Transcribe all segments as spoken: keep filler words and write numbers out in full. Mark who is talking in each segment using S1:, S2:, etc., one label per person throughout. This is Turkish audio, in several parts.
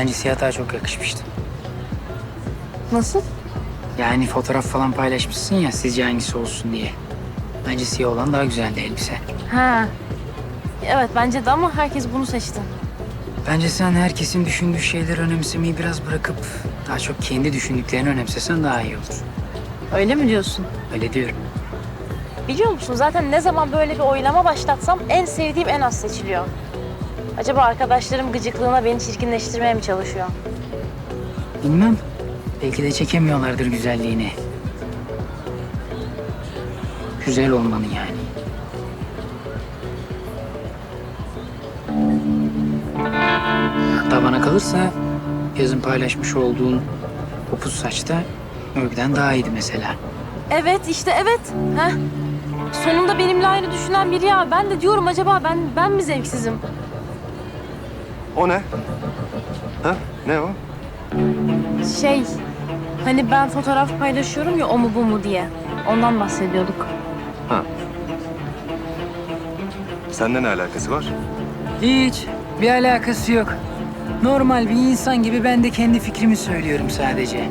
S1: Bence siyah çok yakışmıştı.
S2: Nasıl?
S1: Yani fotoğraf falan paylaşmışsın ya sizce hangisi olsun diye. Bence siyah olan daha güzeldi elbise.
S2: Ha. Evet bence de ama herkes bunu seçti.
S1: Bence sen herkesin düşündüğü şeyleri önemsemeyi biraz bırakıp daha çok kendi düşündüklerini önemsesen daha iyi olur.
S2: Öyle mi diyorsun?
S1: Öyle diyorum.
S2: Biliyor musun zaten ne zaman böyle bir oylama başlatsam en sevdiğim en az seçiliyor. Acaba arkadaşlarım gıcıklığına beni çirkinleştirmeye mi çalışıyor?
S1: Bilmem. Belki de çekemiyorlardır güzelliğini. Güzel olmanı yani. Hatta bana kalırsa yazın paylaşmış olduğun kopuz saçta örgüden daha iyiydi mesela.
S2: Evet işte evet. Heh. Sonunda benimle aynı düşünen biri ya. Ben de diyorum acaba ben ben mi zevksizim?
S3: O ne? Ha? Ne o?
S2: Şey, hani ben fotoğraf paylaşıyorum ya o mu bu mu diye. Ondan bahsediyorduk.
S3: Ha. Seninle ne alakası var?
S1: Hiç bir alakası yok. Normal bir insan gibi ben de kendi fikrimi söylüyorum sadece.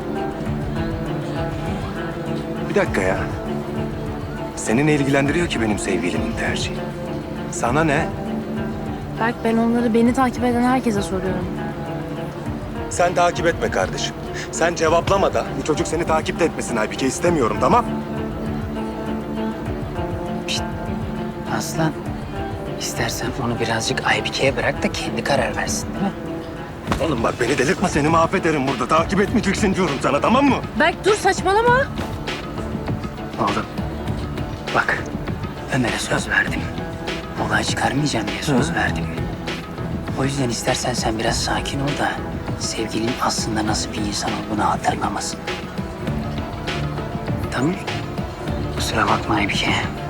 S3: Bir dakika ya. Seni ne ilgilendiriyor ki benim sevgilimin tercihi? Sana ne?
S2: Berk ben onları beni takip eden herkese soruyorum.
S3: Sen takip etme kardeşim. Sen cevaplama da bu çocuk seni takip de etmesin Aybike, istemiyorum, tamam?
S1: Aslan, istersen onu birazcık Aybike'ye bırak da kendi karar versin değil mi?
S3: Oğlum bak beni delirtme, seni mahvederim burada. Takip etmeyeceksin diyorum sana, tamam mı?
S2: Berk dur saçmalama.
S1: Oğlum, bak Ömer'e söz verdim. Olay çıkarmayacağım diye söz
S3: Hı.
S1: verdim. O yüzden istersen sen biraz sakin ol da sevgilin aslında nasıl bir insan olduğunu hatırlamasın. Tamam. Kusura bakma Aybike.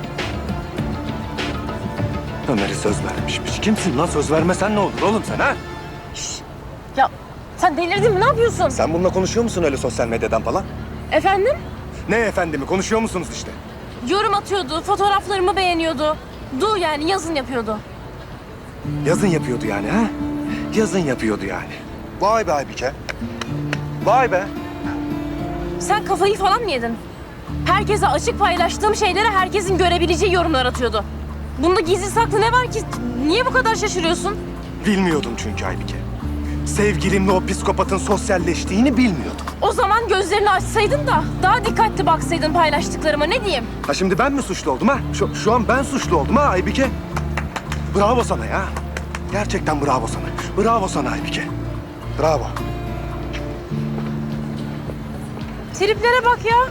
S3: Ömer'e söz vermişmiş. Kimsin lan? Söz vermesen ne olur oğlum sen ha?
S2: Ya sen delirdin mi? Ne yapıyorsun?
S3: Sen bununla konuşuyor musun öyle sosyal medyadan falan?
S2: Efendim?
S3: Ne efendimi? Konuşuyor musunuz işte?
S2: Yorum atıyordu, fotoğraflarımı beğeniyordu. Du yani yazın yapıyordu.
S3: Yazın yapıyordu yani ha? Yazın yapıyordu yani. Vay be Aybike. Vay be.
S2: Sen kafayı falan mı yedin? Herkese açık paylaştığım şeylere herkesin görebileceği yorumlar atıyordu. Bunda gizli saklı ne var ki? Niye bu kadar şaşırıyorsun?
S3: Bilmiyordum çünkü Aybike. Sevgilimle o psikopatın sosyalleştiğini bilmiyordum.
S2: O zaman gözlerini açsaydın da daha dikkatli baksaydın paylaştıklarıma ne diyeyim?
S3: Ha şimdi ben mi suçlu oldum ha? Şu, şu an ben suçlu oldum ha Aybike. Bravo sana ya. Gerçekten bravo sana. Bravo sana Aybike. Bravo.
S2: Triplere bak ya.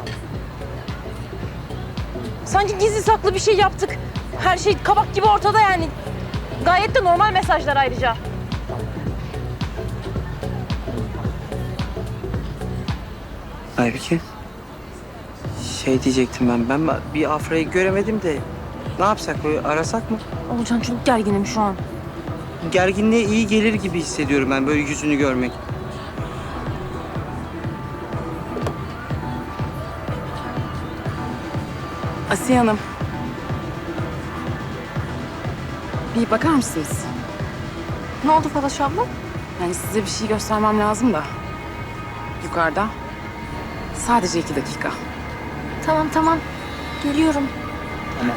S2: Sanki gizli saklı bir şey yaptık. Her şey kabak gibi ortada yani. Gayet de normal mesajlar ayrıca.
S4: Aybike. Şey diyecektim ben. Ben bir Afra'yı göremedim de ne yapsak, böyle arasak mı?
S2: Olcan çok gerginim şu an.
S4: Gerginliğe iyi gelir gibi hissediyorum ben böyle yüzünü görmek.
S5: Asiye Hanım. Bir bakar mısınız?
S2: Ne oldu Falaş abla?
S5: Yani size bir şey göstermem lazım da. Yukarıda. Sadece iki dakika.
S2: Tamam tamam. Geliyorum.
S1: Tamam.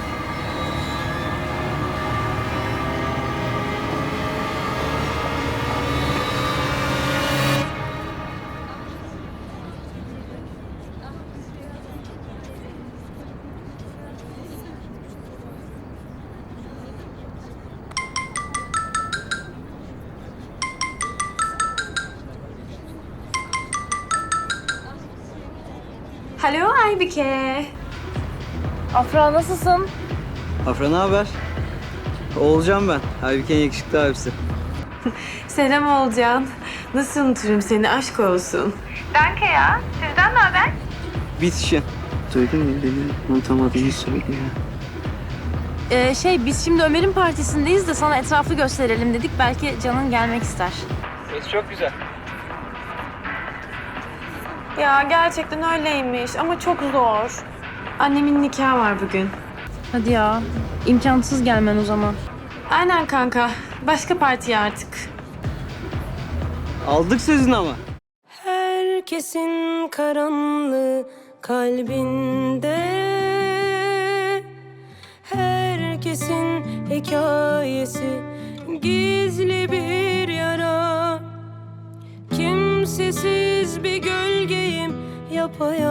S6: Alo Aybike.
S2: Afra nasılsın?
S4: Afra ne haber? Oğulcan ben. Aybike'nin yakışıklı abisi.
S6: Selam Olcan. Nasıl unuturum seni, aşk olsun.
S7: Danke ya. Sizden ne haber?
S4: Bitişin. Duydun mu? Beni unutamadığını söylüyor.
S2: Ee, şey biz şimdi Ömer'in partisindeyiz de sana etrafı gösterelim dedik. Belki Can'ın gelmek ister.
S4: Ses çok güzel.
S6: Ya gerçekten öyleymiş ama çok zor. Annemin nikahı var bugün.
S2: Hadi ya. İmkansız gelmen o zaman.
S6: Aynen kanka. Başka partiye artık.
S4: Aldık sözünü ama.
S8: Herkesin karanlığı kalbinde, herkesin hikayesi gizli bir yara. Kimsesiz bir gölgeyim yapayalnız.